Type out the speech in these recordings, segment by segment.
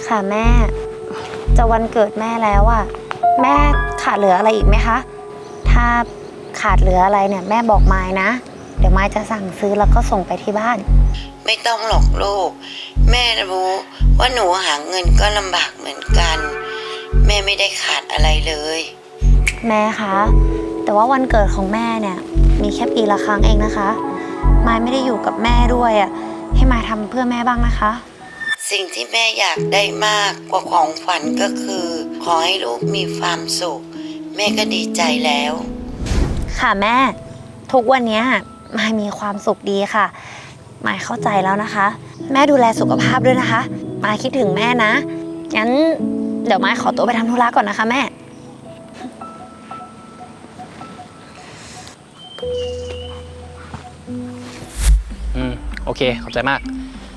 ค่ะแม่จะวันเกิดแม่แล้วอ่ะแม่ขาดเหลืออะไรอีกไหมคะถ้าขาดเหลืออะไรเนี่ยแม่บอกมายนะเดี๋ยวมายจะสั่งซื้อแล้วก็ส่งไปที่บ้านไม่ต้องหรอกลูกแม่รู้ว่าหนูหาเงินก็ลำบากเหมือนกันแม่ไม่ได้ขาดอะไรเลยแม่คะแต่ว่าวันเกิดของแม่เนี่ยมีแค่ปีละครั้งเองนะคะมายไม่ได้อยู่กับแม่ด้วยอ่ะให้มายทำเพื่อแม่บ้างนะคะสิ่งที่แม่อยากได้มากกว่าของขวัญก็คือขอให้ลูกมีความสุขแม่ก็ดีใจแล้วค่ะแม่ทุกวันนี้มายมีความสุขดีค่ะมายเข้าใจแล้วนะคะแม่ดูแลสุขภาพด้วยนะคะมายคิดถึงแม่นะงั้นเดี๋ยวมายขอตัวไปทำธุระก่อนนะคะแม่โอเคขอบใจมาก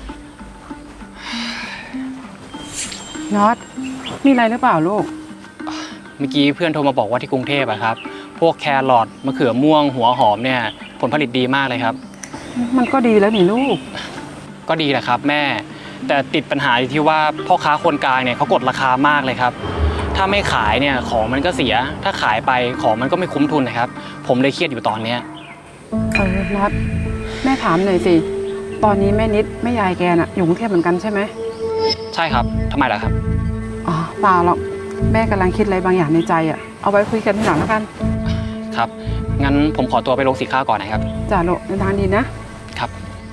น็อตมีอะไรหรือเปล่าลูกเมื่อกี้เพื่อนโทรมาบอกว่าที่กรุงเทพอะครับพวกแครอทมะเขือม่วงหัวหอมเนี่ยผลผลิตดีมากเลยครับมันก็ดีแล้วนี่ลูกก็ดีแหละครับแม่แต่ติดปัญหาอยู่ที่ว่าพ่อค้าคนกลางเนี่ยเขากดราคามากเลยครับถ้าไม่ขายเนี่ยของมันก็เสียถ้าขายไปของมันก็ไม่คุ้มทุนนะครับผมเลยเครียดอยู่ตอนเนี้ยน็อตแม่ถามหน่อยสิตอนนี้แม่นิดแม่ยายแกน่ะอยู่กรุงเทพเหมือนกันใช่ไหมใช่ครับทำไมล่ะครับอ๋อเปล่าหรอกแม่กำลังคิดอะไรบางอย่างในใจอ่ะเอาไว้คุยกันทีหลังแล้วกันครับงั้นผมขอตัวไปลงสีข้าวก่อนนะครับจ้าโลเดินทางดีนะครับ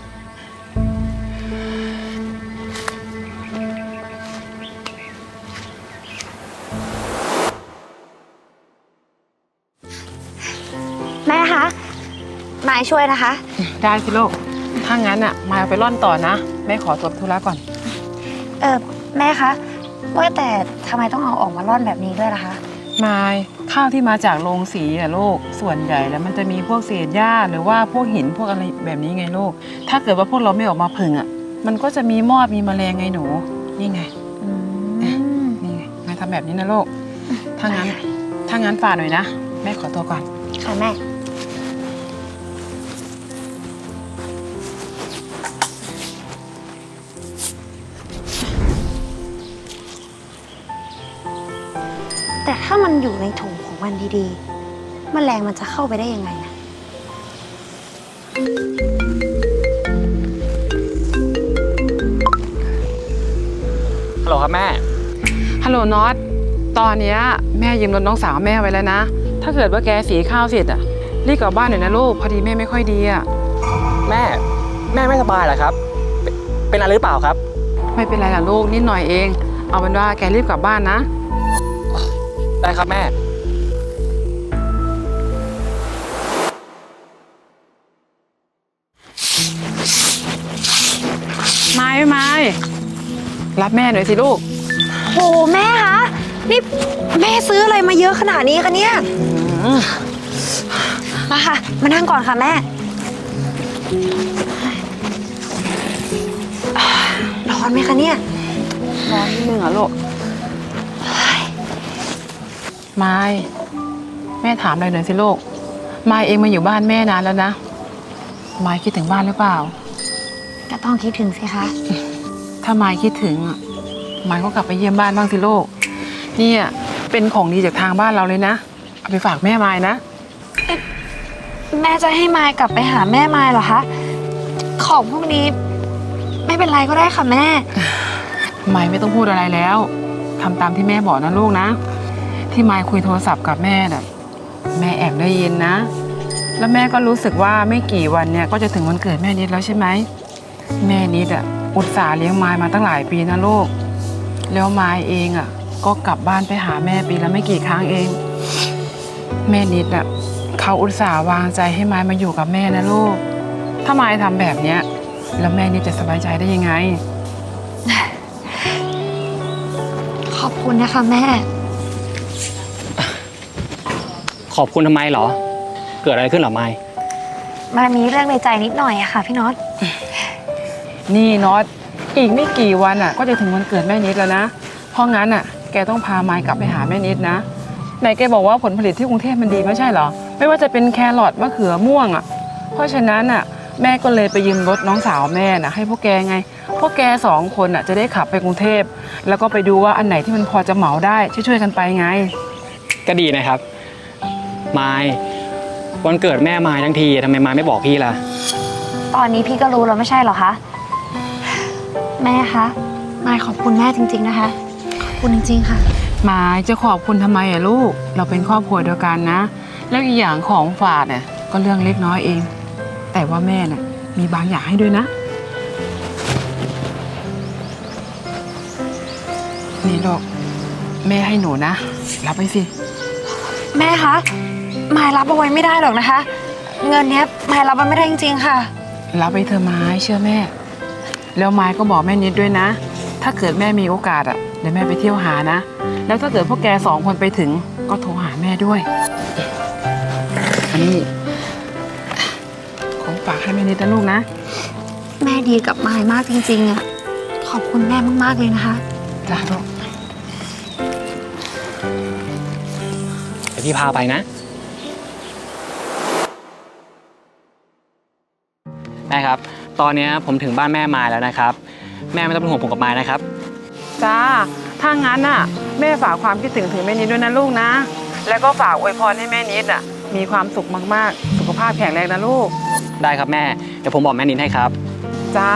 แม่คะมายช่วยนะคะได้สิลูกถ้างั้นอ่ะมาเอาไปร่อนต่อนะแม่ขอตัวธุระก่อนแม่คะว่าแต่ทำไมต้องเอาออกมาร่อนแบบนี้ด้วยล่ะคะมายข้าวที่มาจากโรงสีอะลูกส่วนใหญ่แล้วมันจะมีพวกเศษหญ้าหรือว่าพวกหินพวกอะไรแบบนี้ไงลูกถ้าเกิดว่าพวกเราไม่ออกมาผึ่งอ่ะมันก็จะมีมอดมีแมลงไงหนูนี่ไงนี่ไงมาทำแบบนี้นะลูกถ้างั้นฝากหน่อยนะแม่ขอตัวก่อนค่ะแม่แต่ถ้ามันอยู่ในถุงของมันดีๆแมลงมันจะเข้าไปได้ยังไงอะฮัลโหลครับแม่ฮัลโหลน็อตตอนนี้แม่ยืมรถน้องสาวแม่ไว้แล้วนะถ้าเกิดว่าแกสีข้าวเสร็จอ่ะรีบกลับบ้านหน่อยนะลูกพอดีแม่ไม่ค่อยดีอ่ะแม่ไม่สบายเหรอครับเป็นอะไรหรือเปล่าครับไม่เป็นไรล่ะลูกนิดหน่อยเองเอาเป็นว่าแกรีบกลับบ้านนะได้ครับแม่ไม่รับแม่หน่อยสิลูกโหแม่คะนี่แม่ซื้ออะไรมาเยอะขนาดนี้คะเนี่ยมาค่ะมานั่งก่อนค่ะแม่ร้อนไหมคะเนี่ยร้อนนิดนึงเหรอลูกไม่แม่ถามอะไรหน่อยสิลูกไม่เองมาอยู่บ้านแม่นานแล้วนะไม่คิดถึงบ้านหรือเปล่าก็ต้องคิดถึงสิคะถ้าไม่คิดถึงไม่ก็กลับไปเยี่ยมบ้านบ้างสิลูกนี่เป็นของดีจากทางบ้านเราเลยนะเอาไปฝากแม่ไม่นะแม่จะให้มายกลับไปหาแม่มายเหรอคะของพวกนี้ไม่เป็นไรก็ได้ค่ะแม่ไม่ต้องพูดอะไรแล้วทำตามที่แม่บอกนะลูกนะที่มายคุยโทรศัพท์กับแม่น่ะแม่แอบได้ยินนะแล้วแม่ก็รู้สึกว่าไม่กี่วันเนี่ยก็จะถึงวันเกิดแม่นิดแล้วใช่ไหมแม่นิดอุตส่าห์เลี้ยงมายมาตั้งหลายปีนะลูกแล้วมายเองก็กลับบ้านไปหาแม่ปีละไม่กี่ครั้งเองแม่นิดเขาอุตส่าห์วางใจให้มายมาอยู่กับแม่นะลูกถ้ามายทำแบบเนี้ยแล้วแม่นิดจะสบายใจได้ยังไงขอบคุณนะคะแม่ขอบคุณทำไมเหรอเกิดอะไรขึ้นเหรอไมค์มันมีเรื่องในใจนิดหน่อยอะค่ะพี่น็อตนี่น็อตอีกไม่กี่วันก็จะถึงวันเกิดแม่นิดแล้วนะเพราะงั้นแกต้องพาไมค์กลับไปหาแม่นิดนะไหนแกบอกว่าผลผลิตที่กรุงเทพมันดีไม่ใช่เหรอไม่ว่าจะเป็นแครอทมะเขือม่วงเพราะฉะนั้นแม่ก็เลยไปยืมรถน้องสาวแม่ให้พวกแกไงพวกแก2 คนจะได้ขับไปกรุงเทพแล้วก็ไปดูว่าอันไหนที่มันพอจะเหมาได้ช่วยๆกันไปไงก็ดีนะครับมายวันเกิดแม่มายทั้งทีทำไมมายไม่บอกพี่ล่ะตอนนี้พี่ก็รู้แล้วไม่ใช่เหรอคะ แม่คะมายขอบคุณแม่จริงๆนะคะ ขอบคุณจริงๆค่ะมายจะขอบคุณทำไมลูกเราเป็นครอบครัวเดียวกันนะ แล้วอีกอย่างของฝากเนี่ยก็เรื่องเล็กน้อยเอง แต่ว่าแม่น่ะมีบางอย่างให้ด้วยนะนี่ลูกแม่ให้หนูนะรับไปสิแม่คะมายรับเอาไว้ไม่ได้หรอกนะคะ เงินเนี้ยมายรับมันไม่ได้จริงๆค่ะรับไปเธอะไม้เชื่อแม่ แล้วไม้ก็บอกแม่นิดด้วยนะ ถ้าเกิดแม่มีโอกาสเดี๋ยวแม่ไปเที่ยวหานะ แล้วถ้าเกิดพวกแก2 คนไปถึงก็โทรหาแม่ด้วยอันนี้ของฝากให้แม่นิดนะลูกนะแม่ดีกับมายมากจริงๆอ่ะขอบคุณแม่มากๆเลยนะคะจ้าลูกเดี๋ยวพี่พาไปนะแม่ครับ ตอนนี้ผมถึงบ้านแม่มายแล้วนะครับ แม่ไม่ต้องเป็นห่วงผมกับมายนะครับจ้าถ้างั้นแม่ฝากความคิดถึงแม่นิดด้วยนะลูกนะ แล้วก็ฝากอวยพรให้แม่นิดมีความสุขมากๆสุขภาพแข็งแรงนะลูกได้ครับแม่เดี๋ยวผมบอกแม่นิดให้ครับจ้า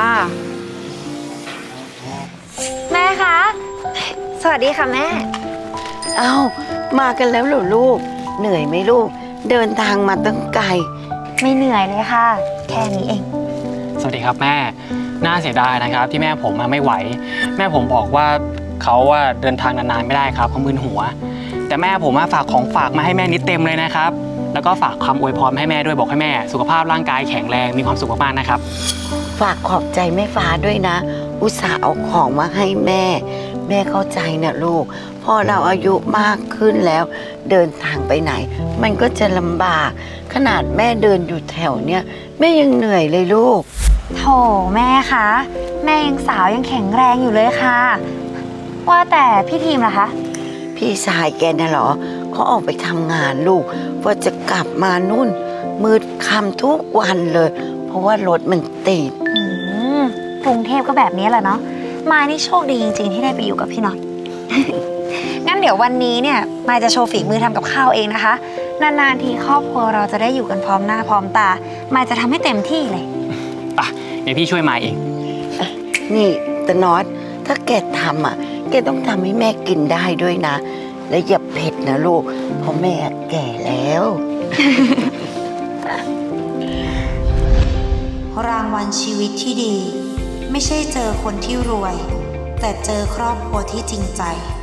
แม่คะ สวัสดีค่ะแม่เอ้ามากันแล้วเหรอลูก เหนื่อยไหมลูก เดินทางมาตั้งไกลไม่เหนื่อยเลยค่ะ แค่นี้เองสวัสดีครับแม่น่าเสียดายนะครับที่แม่ผมไม่ไหว แม่ผมบอกว่าเขาเดินทางนานๆไม่ได้ครับเขามึนหัว แต่แม่ผมฝากของฝากมาให้แม่นิดเต็มเลยนะครับ แล้วก็ฝากคำอวยพรมาให้แม่ด้วยบอกให้แม่สุขภาพร่างกายแข็งแรงมีความสุขมากๆนะครับฝากขอบใจแม่ฟ้าด้วยนะ อุตส่าห์เอาของมาให้แม่ แม่เข้าใจนะลูก พอเราอายุมากขึ้นแล้ว เดินทางไปไหน มันก็จะลำบาก ขนาดแม่เดินอยู่แถวเนี้ยแม่ยังเหนื่อยเลยลูกโถแม่คะ แม่ยังสาวยังแข็งแรงอยู่เลยค่ะ ว่าแต่พี่ทีมล่ะคะพี่ชายแกน่ะเหรอเขาออกไปทำงานลูกว่าจะกลับมานู่น มืดค่ำทุกวันเลย เพราะว่ารถมันติดกรุงเทพก็แบบนี้แหละเนาะมายนี่โชคดีจริงๆที่ได้ไปอยู่กับพี่น็อต งั้นเดี๋ยววันนี้เนี่ยมายจะโชว์ฝีมือทำกับข้าวเองนะคะ นานๆทีครอบครัวเราจะได้อยู่กันพร้อมหน้าพร้อมตามายจะทำให้เต็มที่เลยเดี๋ยวพี่ช่วยมายเองนี่ตะน็อตถ้าแกทำแกต้องทำให้แม่กินได้ด้วยนะ และอย่าเผ็ดนะลูก เพราะแม่แก่แล้วรางวัลชีวิตที่ดี ไม่ใช่เจอคนที่รวย แต่เจอครอบครัวที่จริงใจ